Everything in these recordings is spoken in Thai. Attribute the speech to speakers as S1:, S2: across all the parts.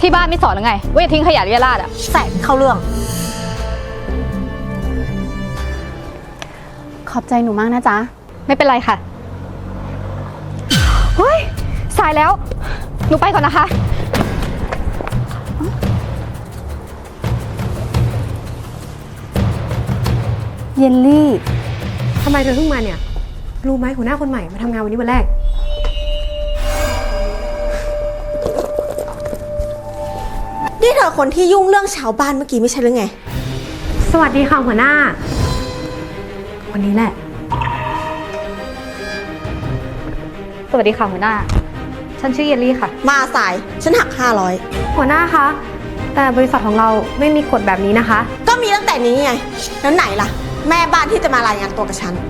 S1: ที่บ้านไม่สอนหรือไงว่าอย่าทิ้งขยะเรี่ยราดอะ
S2: แสงเข้าเรื่อง
S3: ขอบใจหนูมากนะจ๊ะ
S1: ไม่เป็นไรค่ะเฮ้ยสายแล้วหนูไปก่อนนะคะ
S3: เยลลี่
S2: ทำไมเธอเพิ่งมาเนี่ยรู้ไหมหัวหน้าคนใหม่มาทำงานวันนี้วันแรก
S4: นี่เธอคนที่ยุ่งเรื่องชาวบ้านเมื่อกี้ไม่ใช่หรือไง
S2: สวัสดีค่ะหัวหน้าวันนี้แหละ
S1: สวัสดีค่ะหัวหน้าฉันชื่อเยลลี่ค่ะ
S4: มาสายฉันหัก500
S2: หัวหน้าคะแต่บริษัทของเราไม่มีกฎแบบนี้นะคะ
S4: ก็มีตั้งแต่นี้ไงแล้วไหนล่ะแม่บ้านที่จะมารายงานตัวกับฉัน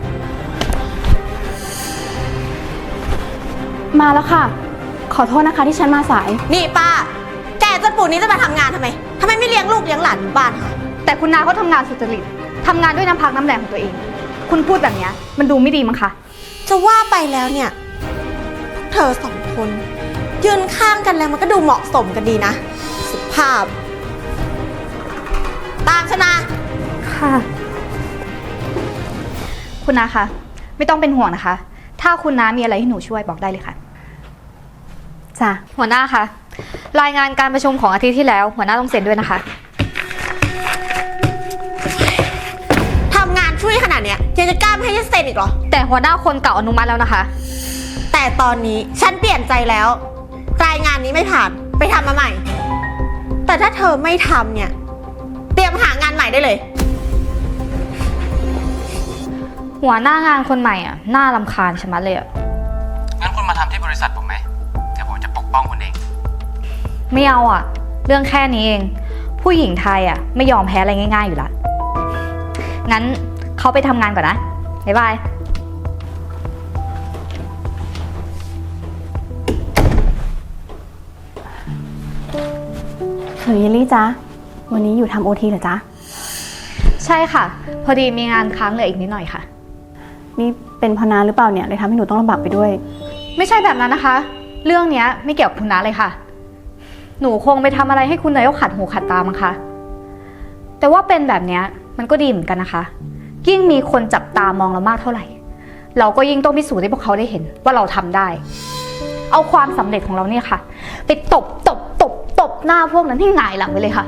S3: มาแล้วค่ะขอโทษนะคะที่ฉันมาสาย
S4: นี่ป้าแกจนปู่นี้จะมาทำงานทำไมไม่เลี้ยงลูกเลี้ยงหลานอยู่บ้านคะ
S1: แต่คุณนาเขาทำงานสุจริตทำงานด้วยน้ำพักน้ำแรงของตัวเองคุณพูดแบบนี้มันดูไม่ดีมั้งคะ
S4: จะว่าไปแล้วเนี่ยเธอสองคนยืนข้างกันแล้วมันก็ดูเหมาะสมกันดีนะสุภาพตามชนะ
S2: ค่ะ
S1: คุณนาคะไม่ต้องเป็นห่วงนะคะถ้าคุณน้ามีอะไรให้หนูช่วยบอกได้เลยค่ะ
S3: จ้ะ
S1: หัวหน้าคะรายงานการประชุมของอาทิตย์ที่แล้วหัวหน้าต้องเซ็นด้วยนะคะ
S4: ทำงานช่วยขนาดเนี้ยยังจะกล้าไม่ให้ฉันเซ็นอีกเหรอ
S1: แต่หัวหน้าคนเก่าอนุมัติแล้วนะคะ
S4: แต่ตอนนี้ฉันเปลี่ยนใจแล้วรายงานนี้ไม่ผ่านไปทำมาใหม่แต่ถ้าเธอไม่ทำเนี่ยเตรียมหางานใหม่ได้เลย
S1: หัวหน้างานคนใหม่อ่ะน่ารำคาญชะมัดเลยอ่ะ
S5: งั้นคุณมาทำที่บริษัทผมไหมเดี๋ยวผมจะปกป้องคุณเอง
S1: ไม่เอาอ่ะเรื่องแค่นี้เองผู้หญิงไทยอ่ะไม่ยอมแพ้อะไรง่ายๆอยู่ละงั้นเขาไปทำงานก่อนนะบ๊ายบาย
S3: หนูเยลลี่จ๊ะวันนี้อยู่ทำโอทีเหรอจ๊ะ
S1: ใช่ค่ะพอดีมีงานค้างเหลืออีกนิดหน่อยค่ะ
S3: นี่เป็นพนาหรือเปล่าเนี่ยเลยทำให้หนูต้องลำบากไปด้วย
S1: ไม่ใช่แบบนั้นนะคะเรื่องนี้ไม่เกี่ยวกับคุณน้าเลยค่ะหนูคงไปทำอะไรให้คุณนายกขัดหูขัดตามั้งคะแต่ว่าเป็นแบบนี้มันก็ดีเหมือนกันนะคะยิ่งมีคนจับตามองเรามากเท่าไหร่เราก็ยิ่งต้องพิสูจน์ให้พวกเขาได้เห็นว่าเราทำได้เอาความสำเร็จของเราเนี่ยค่ะไปตบหน้าพวกนั้นให้หงายหลังไปเลยค่ะ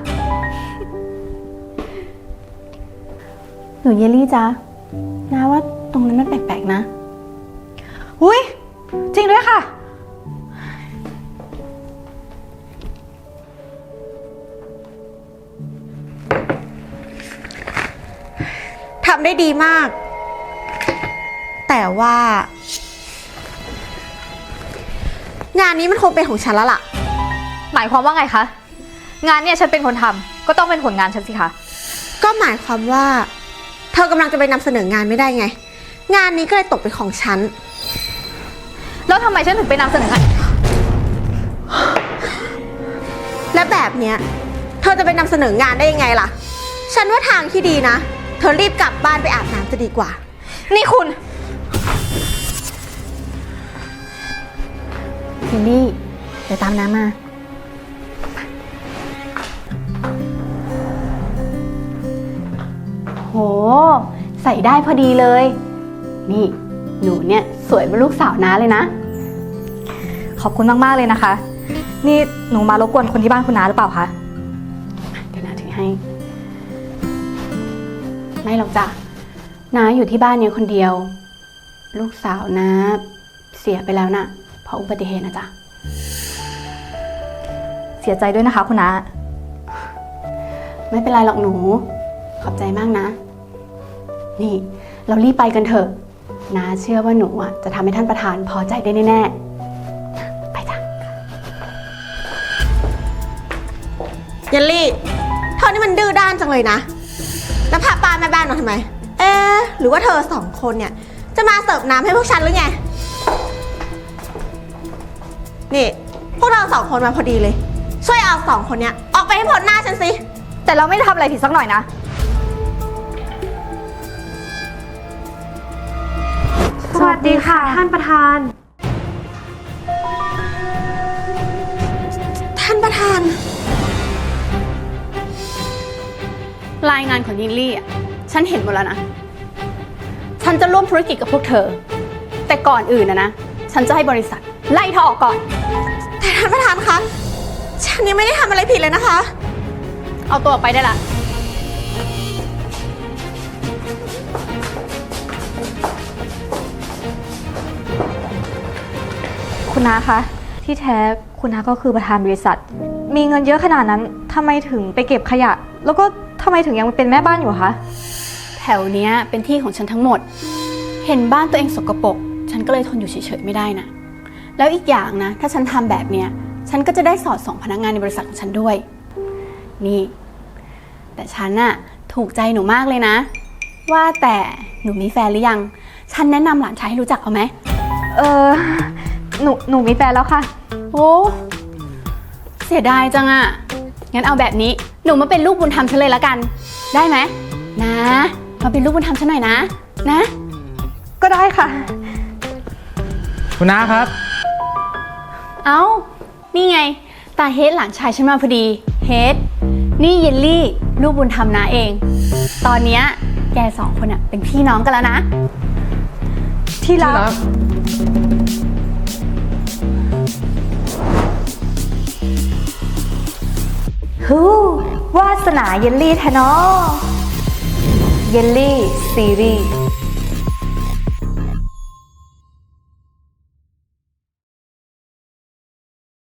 S3: หนูเยลลี่จ๊ะนะว่าตรงนั้นมันแปลกๆนะ
S1: อุ้ยจริงด้วยค่ะ
S4: ทำได้ดีมากแต่ว่างานนี้มันคงเป็นของฉันแล้วล่ะ
S1: หมายความว่าไงคะงานเนี่ยฉันเป็นคนทำก็ต้องเป็นผลงานฉันสิคะ
S4: ก็หมายความว่าเธอกำลังจะไปนำเสนองานไม่ได้ไงงานนี้ก็เลยตกเป็นของฉัน
S1: แล้วทำไมฉันถึงไปนำเสนองาน
S4: และแบบเนี้ยเธอจะไปนำเสนองานได้ยังไงล่ะฉันว่าทางที่ดีนะเธอรีบกลับบ้านไปอาบน้ำจะดีกว่า
S1: นี่คุณ
S3: เยลลี่เดี๋ยวตามน้ำมาโหใส่ได้พอดีเลยนี่หนูเนี่ยสวยเป็นลูกสาวน้าเลยนะ
S1: ขอบคุณมากๆเลยนะคะนี่หนูมารบกวนคนที่บ้านคุณน้าหรือเปล่าคะ
S3: เดี๋ยวน้าถือให้ไม่หรอกจ้ะน้าอยู่ที่บ้านเนี่ยคนเดียวลูกสาวน้าเสียไปแล้วนะเพราะอุบัติเหตุนะจ๊ะ
S1: เสียใจด้วยนะคะคุณน้า
S3: ไม่เป็นไรหรอกหนูขอบใจมากนะนี่เรารีบไปกันเถอะน้าเชื่อว่าหนูอ่ะจะทำให้ท่านประธานพอใจได้แน่ๆไปจ้ะ
S4: เยลลี่เธอนี่มันดื้อด้านจังเลยนะแล้วพาป้าแม่บ้านมาทำไมหรือว่าเธอสองคนเนี่ยจะมาเสิร์ฟน้ำให้พวกฉันหรือไงนี่พวกเราสองคนมาพอดีเลยช่วยเอาสองคนเนี้ยออกไปให้พ้นหน้าฉันสิ
S1: แต่เราไม่ได้ทำอะไรผิดสักหน่อยนะ
S2: สวัสดีค่ะท่านประธาน
S4: ท่านประธาน
S3: รายงานของยินลี่อ่ะ ฉันเห็นหมดแล้วนะ ฉันจะร่วมธุรกิจกับพวกเธอ แต่ก่อนอื่นนะ ฉันจะให้บริษัทไล่เธอออกก่อน
S4: แต่ท่านประธานคะ ฉันยังไม่ได้ทำอะไรผิดเลยนะคะ
S3: เอาตัวออกไปได้ละ
S1: คุณน้าคะ ที่แท้คุณน้าก็คือประธานบริษัท มีเงินเยอะขนาดนั้นทำไมถึงไปเก็บขยะ แล้วก็ทำไมถึงยังเป็นแม่บ้านอยู่คะ
S3: แถวเนี้ยเป็นที่ของฉันทั้งหมด เห็นบ้านตัวเองสกปรก ฉันก็เลยทนอยู่เฉยๆไม่ได้นะ แล้วอีกอย่างนะ ถ้าฉันทำแบบเนี้ย ฉันก็จะได้สอดส่องพนักงานในบริษัทของฉันด้วย นี่ แต่ฉันน่ะถูกใจหนูมากเลยนะ ว่าแต่หนูมีแฟนหรือยัง ฉันแนะนำหลานชายให้รู้จักเอาไหม
S1: เออหนูมีแฟนแล้วค่ะ
S3: โอ้ เสียดายจังอะงั้นเอาแบบนี้ หนูมาเป็นลูกบุญธรรมฉันเลยละกัน ได้ไหม นะ มาเป็นลูกบุญธรรมฉันหน่อยนะ นะ
S1: ก็ได้ค่ะ
S5: คุณน้าครับ
S3: เอ้า นี่ไง ตาเฮดหลานชายฉันมาพอดี เฮด นี่เยลลี่ ลูกบุญธรรมนาเอง ตอนเนี้ยแกสองคนอะเป็นพี่น้องกันแล้วนะ
S1: ที่รักฮู้วาสนาเยลลี่แทเนอเยลลี่ซีรีส์